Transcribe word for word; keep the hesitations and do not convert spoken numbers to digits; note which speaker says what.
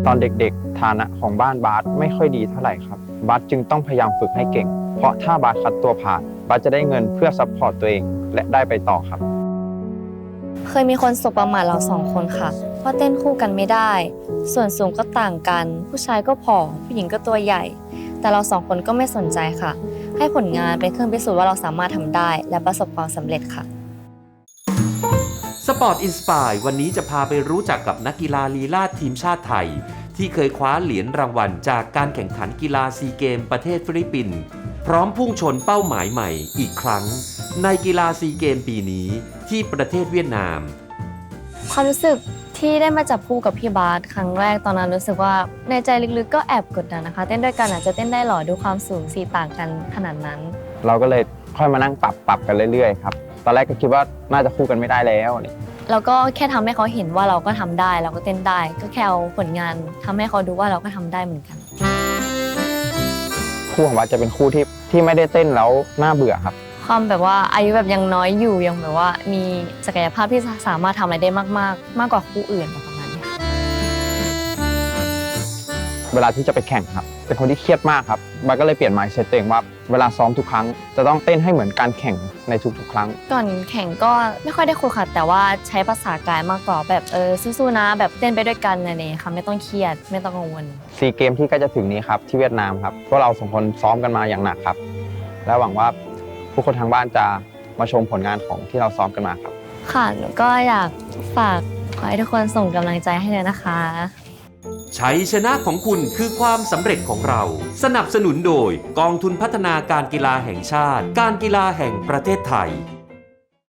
Speaker 1: อนเด็กๆฐานะของบ้านบาสไม่ค่อยดีเท่าไหร่ครับบาสจึงต้องพยายามฝึกให้เก่งเพราะถ้าบาสคัดตัวผ่านบาสจะได้เงินเพื่อซัพพอร์ตตัวเองและได้ไปต่อครับ
Speaker 2: เคยมีคนสบประมาทเราสองคนค่ะเพราะเต้นคู่กันไม่ได้ส่วนสูงก็ต่างกันผู้ชายก็ผอมผู้หญิงก็ตัวใหญ่แต่เราสองคนก็ไม่สนใจค่ะให้ผลงานเป็นเครื่องพิสูจน์ว่าเราสามารถทำได้และประสบความสำเร็จค่ะ
Speaker 3: สปอร์ตอินสปายวันนี้จะพาไปรู้จักกับนักกีฬาลีลาศทีมชาติไทยที่เคยคว้าเหรียญรางวัลจากการแข่งขันกีฬาซีเกมประเทศฟิลิปปินส์พร้อมพุ่งชนเป้าหมายใหม่อีกครั้งในกีฬาซีเกมปีนี้ที่ประเทศเวียดนาม
Speaker 2: ความรู้สึกที่ได้มาจับคู่กับพี่บาสครั้งแรกตอนนั้นรู้สึกว่าในใจลึกๆก็แอบกดดันนะคะเต้นด้วยกันอาจจะเต้นได้หรอดูความสูงสีต่างกันขนาดนั้น
Speaker 1: เราก็เลยค่อยมานั่งปรับปรับกันเรื่อยๆครับตอนแรกก็คิดว่าน่าจะคู่กันไม่ได้แล้ว
Speaker 2: แล้วก็แค่ทำให้เขาเห็นว่าเราก็ทำได้เราก็เต้นได้ก็แค่เอาผลงานทำให้เขาดูว่าเราก็ทำได้เหมือนกัน
Speaker 1: คู่ของบาสจะเป็นคู่ที่ที่ไม่ได้เต้นแล้วน่าเบื่อครับ
Speaker 2: ความแบบว่าอายุแบบยังน้อยอยู่ยังแบบว่ามีศักยภาพที่สามารถทำอะไรได้มากๆมากกว่าคู่อื่นประมาณนี้
Speaker 1: เวลาที่จะไปแข่งครับเป็นคนที่เครียดมากครับบาสก็เลยเปลี่ยน mindset ตัวเองว่าเวลาซ้อมทุกครั้งจะต้องเต้นให้เหมือนการแข่งในทุกๆครั้ง
Speaker 2: ก่อนแข่งก็ไม่ค่อยได้คุยค่ะแต่ว่าใช้ภาษากายมากกว่าแบบเออสู้ๆนะแบบเต้นไปด้วยกันอะไรอย่างเงี้ยค่ะไม่ต้องเครียดไม่ต้องกังวล
Speaker 1: ซีเกมที่ใกล้จะถึงนี้ครับที่เวียดนามครับพวกเราสองคนซ้อมกันมาอย่างหนักครับและหวังว่าผู้คนทางบ้านจะมาชมผลงานของที่เราซ้อมกันมาครับ
Speaker 2: ค่ะหนูก็อยากฝากขอให้ทุกคนส่งกำลังใจให้เลยนะคะ
Speaker 3: ชัยชนะของคุณคือความสำเร็จของเราสนับสนุนโดยกองทุนพัฒนาการกีฬาแห่งชาติการกีฬาแห่งประเทศไทย